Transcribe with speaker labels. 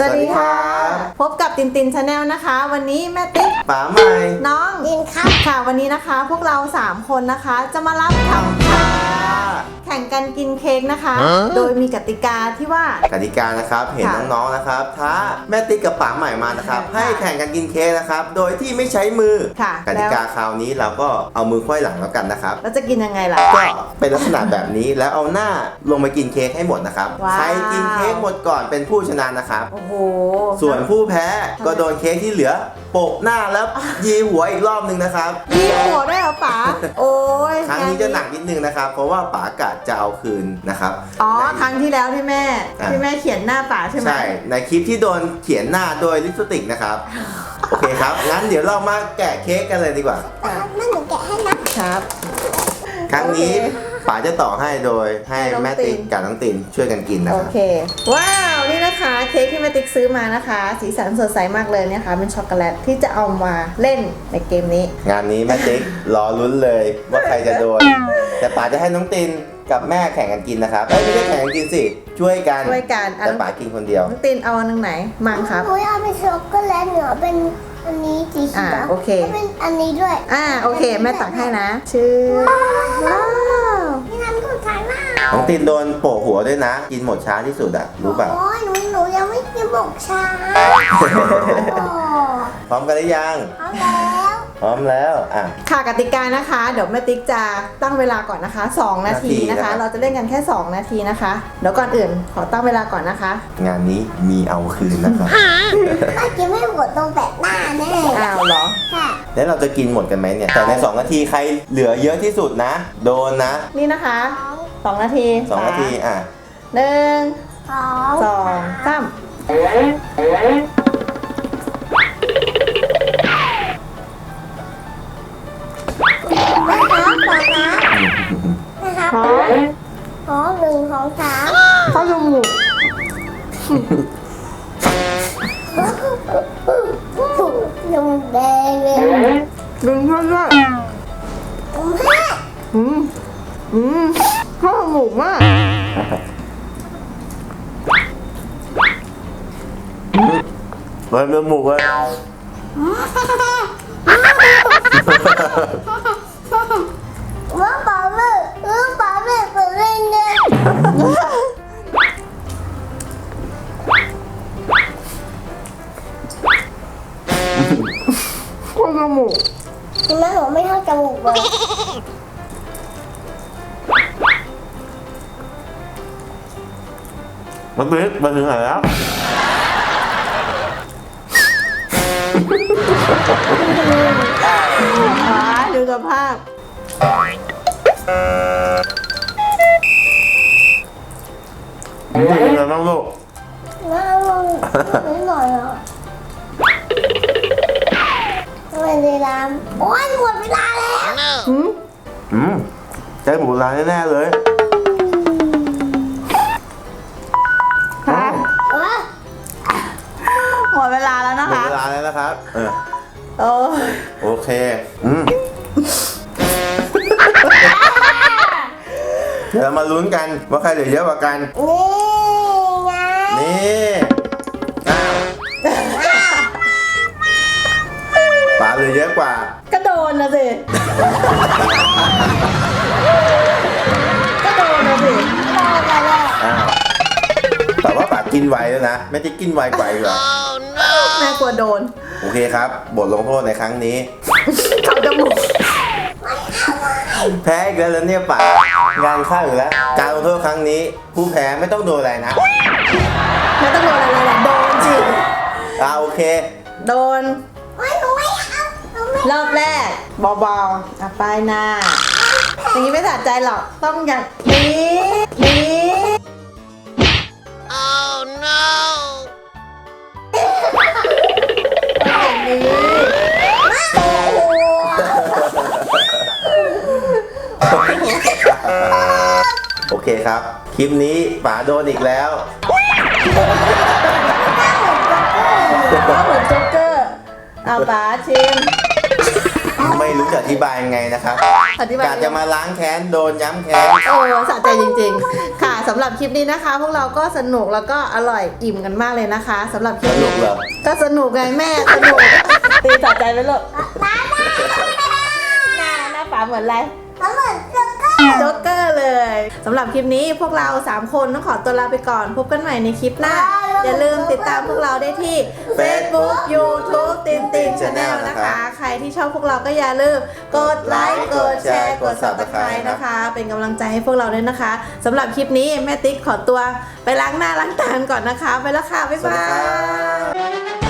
Speaker 1: วัสดีค่ะพบกับตินตินชาแนลนะคะ วันนี้แม่ติ๊ก
Speaker 2: ป๋าใหม่
Speaker 1: น้องดินครับค่ะวันนี้นะคะพวกเรา3คนนะคะจะมารับทำค่ะแข่งกันกินเค้กนะคะ โดยมีกติกาที่ว่าก
Speaker 2: ติกานะครับเห็นน้องๆนะครับท้าแม่ติ๊กกับป๋าใหม่มานะครับให้แข่งกันกินเค้กนะครับโดยที่ไม่ใช้มือ
Speaker 1: ค่ะ
Speaker 2: กติกาคราวนี้เราก็เอามือควายหลังแล้วกันนะครับ
Speaker 1: แล้วจะกินยังไงล่ะ
Speaker 2: ก็เป็นลักษณะแบบนี้แล้วเอาหน้าลงไปกินเค้กให้หมดนะครับ
Speaker 1: ว้าว
Speaker 2: ใครกินเค้กหมดก่อนเป็นผู้ชนะนะครับ
Speaker 1: โอ้โห
Speaker 2: ส่วนผู้แพ้ก็โดนเค้กที่เหลือโปะหน้าแล้วยีหัวอีกรอบนึงนะครับ
Speaker 1: มีหัวด้วยเหรอป๋าโอ้ย
Speaker 2: ครั้งนี้จะหนักนิดนึงนะครับเพราะว่าป๋ากะจะเอาคืนนะครับ
Speaker 1: อ๋อครั้งที่แล้วที่แม่เขียนหน้าป๋าใช่ไหม
Speaker 2: ใช่ในคลิปที่โดนเขียนหน้าโดยลิปสติกนะครับ โอเคครับงั้นเดี๋ยวเรามาแกะเค้กกันเลยดีกว่า
Speaker 3: นั่นหนูแกะให้นะครับ
Speaker 2: ครั้งนี้ป๋าจะต่อให้โดยให้แม่ติ๊กกับน้องตินช่วยกันกินนะ
Speaker 1: โอ
Speaker 2: ครับ
Speaker 1: เคว้าวนี่นะคะเค้กที่แม่ติ๊กซื้อมานะคะ สีสันสดใสมากเลยเนี่ยค่ะเป็นช็อกโกแลตที่จะเอามาเล่นในเกมนี้
Speaker 2: งานนี้แม่ติ๊กรอลุ้นเลยว่าใครจะโดนแต่ป๋าจะให้น้องตินกับแม่แข่งกันกินนะครับไม่ใช่แข่งกันกินสิช่วยกัน
Speaker 1: ช่วยกัน
Speaker 2: แต่ป๋ากินคนเดียว
Speaker 1: น้องตินเอาอันไหนมังครับ
Speaker 3: หนูเอาเป็นช็อกโกแลตหนูเอาเป็นอันนี้สีเขียว
Speaker 1: โอเค
Speaker 3: เป็นอันนี้ด้วย
Speaker 1: โอเคแม่ตักให้นะชื่อว้าว
Speaker 3: นี่ทำถูกใจมาก
Speaker 2: น้องตินโดนโปะหัวด้วยนะ กินหมดช้าที่สุดอะรู้เปล่า
Speaker 3: โอ้ยหนูยังไม่กินบอกชาโอ้
Speaker 2: พร้อมกันหรือยัง
Speaker 3: เอาแล้ว
Speaker 2: พร้อมแล้ว
Speaker 1: ค่ะกติกานะคะ เดี๋ยวแม่ติ๊กจะตั้งเวลาก่อนนะคะ2 นาทีนะคะ เราจะเล่นกันแค่2 นาทีนะคะเดี๋ยวก่อนอื่นขอตั้งเวลาก่อนนะคะ
Speaker 2: งานนี้มีเอาคืนนะครับ
Speaker 3: ถ้ากินไม่หมดตรงแปะหน้าแน่
Speaker 1: อ้าวเหรอ
Speaker 3: ค่ะ
Speaker 2: แล้วเราจะกินหมดกันไหมเนี่ย แต่ใน 2 นาทีใครเหลือเยอะที่สุดนะ โดนนะ
Speaker 1: นี่นะคะ2 นาที
Speaker 2: 2 นาที
Speaker 1: 1 2 3
Speaker 3: สอง
Speaker 2: อ่ะ
Speaker 3: นะครับ
Speaker 1: พร้อม
Speaker 3: พร้อม1 2 3
Speaker 1: เข้าจมูก
Speaker 3: ยังแดงเลย
Speaker 1: ดึงเพื่อนด้วย
Speaker 3: ผมแพ้
Speaker 1: เข้าจมูกมาก
Speaker 2: เริ่มหมูกเลย
Speaker 3: ว่าป๋าแม่เปิดเล่นเนี่ย
Speaker 1: เข้าจมูก
Speaker 3: ทำไมหนูไม่เข้าจมูกเลย
Speaker 2: มันบิ๊กมาถึงไหนแล้ว
Speaker 1: ดูสภาพ
Speaker 2: เป็นยังไงบ้างลูก
Speaker 3: น่าลองนิดหน่อยอ่ะทำไมเวลาโอ้ยหมดเวลาแล้ว
Speaker 2: ใจหมูร้านแน่ๆเลย
Speaker 1: ค่ะ
Speaker 3: เออ
Speaker 1: หมดเวลาแล้วนะ
Speaker 2: หมด
Speaker 1: คะ
Speaker 2: เวลาแล้วนะครับ
Speaker 1: โอ้
Speaker 2: โอเคเดี๋ยวเรามาลุ้นกันว่าใครเหลือเยอะกว่ากัน
Speaker 3: นี่ไง
Speaker 2: นี่ป๋าเหลือเยอะกว่า
Speaker 1: ก็โดนนะสิก็โดนนะสิ
Speaker 3: รอกันเลย
Speaker 2: แต่ว่าป๋ากินไวแล้วนะไม่ได้กินไวกว่าอีกเหรอ
Speaker 1: แม่กลัวโดน
Speaker 2: โอเคครับ บทลงโทษในครั้งนี้
Speaker 1: เข้าจมูก
Speaker 2: แพ้อีกแล้วเนี่ยป๋างานเข้าอยู่แล้ว การลงโทษครั้งนี้ ผู้แพ้ไม่ต้องโดนอะไรนะ
Speaker 1: ไม่ต้องโดนอะไรแหละโดนจริง
Speaker 2: โอเค
Speaker 1: โดน
Speaker 3: โอ้ยหนูไม่เอาหนูไม่
Speaker 1: รอบแรกเบาๆป้ายหน้า อย่างนี้ไม่สะใจหรอก ต้องอย่างนี้
Speaker 4: Oh no!
Speaker 1: อย่างนี้
Speaker 2: โอเคครับ คลิปนี้ป๋าโดนอีกแล้ว
Speaker 1: ก็เหมือนโจ๊กเกอร์เอาป๋าชิม
Speaker 2: ไม่รู้จะอธิบายยังไงนะครับ
Speaker 1: อธิบาย
Speaker 2: กาจะมาล้างแค้นโดนย้ำแค้น
Speaker 1: โอ้สะใจจริงๆ ค่ะสำหรับคลิปนี้นะคะ พวกเราก็สนุกแล้วก็อร่อยอิ่มกันมากเลยนะคะสำหรับคลิป
Speaker 2: สนุ
Speaker 1: นี้
Speaker 2: กเหรอ
Speaker 1: ก็สนุกไงแม่สนุกตีสะใจไหมลูกหน้าป๋าเหมือนอะไร
Speaker 3: น้ำมันเจ้าก็
Speaker 1: โจ๊กเกอร์เลยสำหรับคลิปนี้พวกเรา 3 คนต้องขอตัวลาไปก่อน พบกันใหม่ในคลิปหน้า อย่าลืมติดตามพวกเราได้ที่ Facebook YouTube ตินติน Channel นะคะ ใครที่ชอบพวกเราก็อย่าลืมกดไลค์กดแชร์กด Subscribe นะคะ เป็นกำลังใจให้พวกเราด้วยนะคะสำหรับคลิปนี้แม่ติ๊กขอตัวไปล้างหน้าล้างตาก่อนนะคะ ไปแล้วค่ะ บ๊าย
Speaker 2: สวัส
Speaker 1: บา
Speaker 2: ดีครั
Speaker 1: ย
Speaker 2: บ